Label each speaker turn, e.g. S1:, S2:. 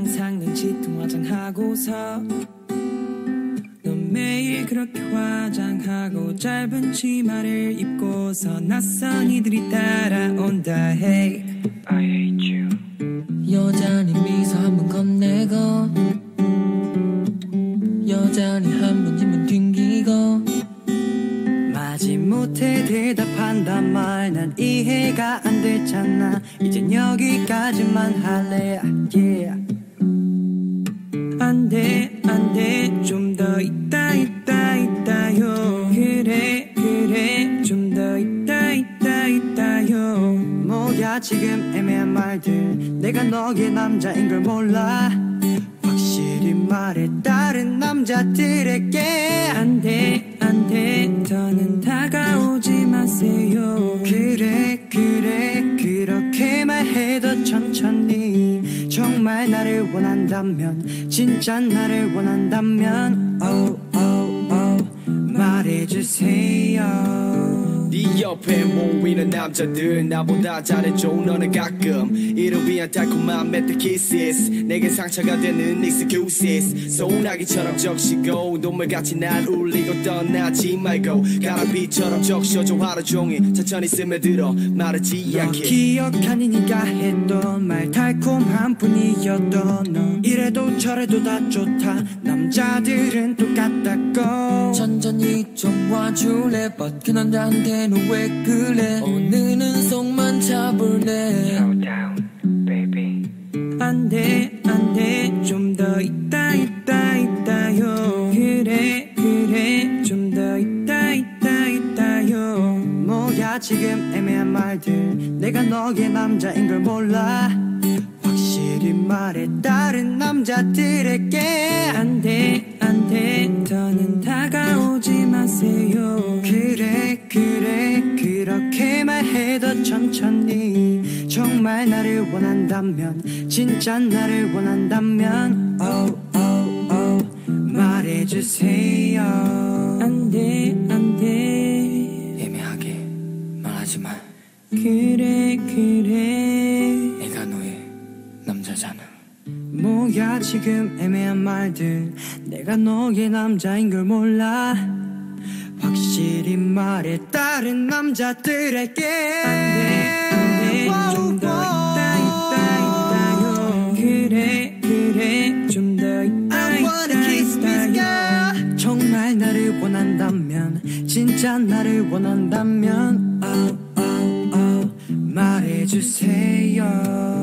S1: 항상 눈치통 화장하고서 넌 매일 그렇게 화장하고 짧은 치마를 입고서 낯선 이들이 따라온다. Hey, I hate you.
S2: 여전히 미소 한번 건네고 여전히 한 번쯤은 튕기고
S1: 마지못해 대답한단 말 난 이해가 안 되잖아. 이젠 여기까지만 할래. Yeah. 안돼 안돼 좀 더 있다요. 그래 좀 더 있다요. 뭐야 지금 애매한 말들. 내가 너의 남자인 걸 몰라. 확실히 말해 다른 남자들에게 안돼 더는 다가오지 마세요. 그래 그렇게 말해도 천천히. 정말 나를 원한다면 진짜 나를 원한다면 말해주세요.
S3: 네 옆에 모이는 남자들 나보다 잘해줘. 너는 가끔 이를 위한 달콤한 메타키시스 내게 상처가 되는 excuses. 소나기처럼 적시고 눈물같이 날 울리고 떠나지 말고 가라비처럼 적셔줘 하루 종일 천천히 스며들어 마르지 않게.
S1: 기억하니 네가 했던 말 달콤한 뿐이었던 너. 이래도 저래도 다 좋다. 남자들은 똑같다고.
S2: 천천히 좀 와줄래. But 그 남자한테는 왜 그래. 오늘은 속만 잡을래.
S1: Slow down, baby. 안돼 좀 더 있다요. 그래 좀 더 있다요. 뭐야 지금 애매한 말들. 내가 너의 남자인 걸 몰라. 확실히 말해 다른 남자들에게 안돼 더는 다가오지 마세요. 그래 그렇게 말해도 천천히. 정말 나를 원한다면 진짜 나를 원한다면 말해주세요. 안돼
S2: 애매하게 말하지만
S1: 그래
S2: 내가 너의 남자잖아.
S1: 뭐야 지금 애매한 말들. 내가 너의 남자인 걸 몰라. 확실히 말해 다른 남자들에게 안돼 좀 더 있다요. 그래 좀 더 있다요. 정말 나를 원한다면 진짜 나를 원한다면 말해주세요.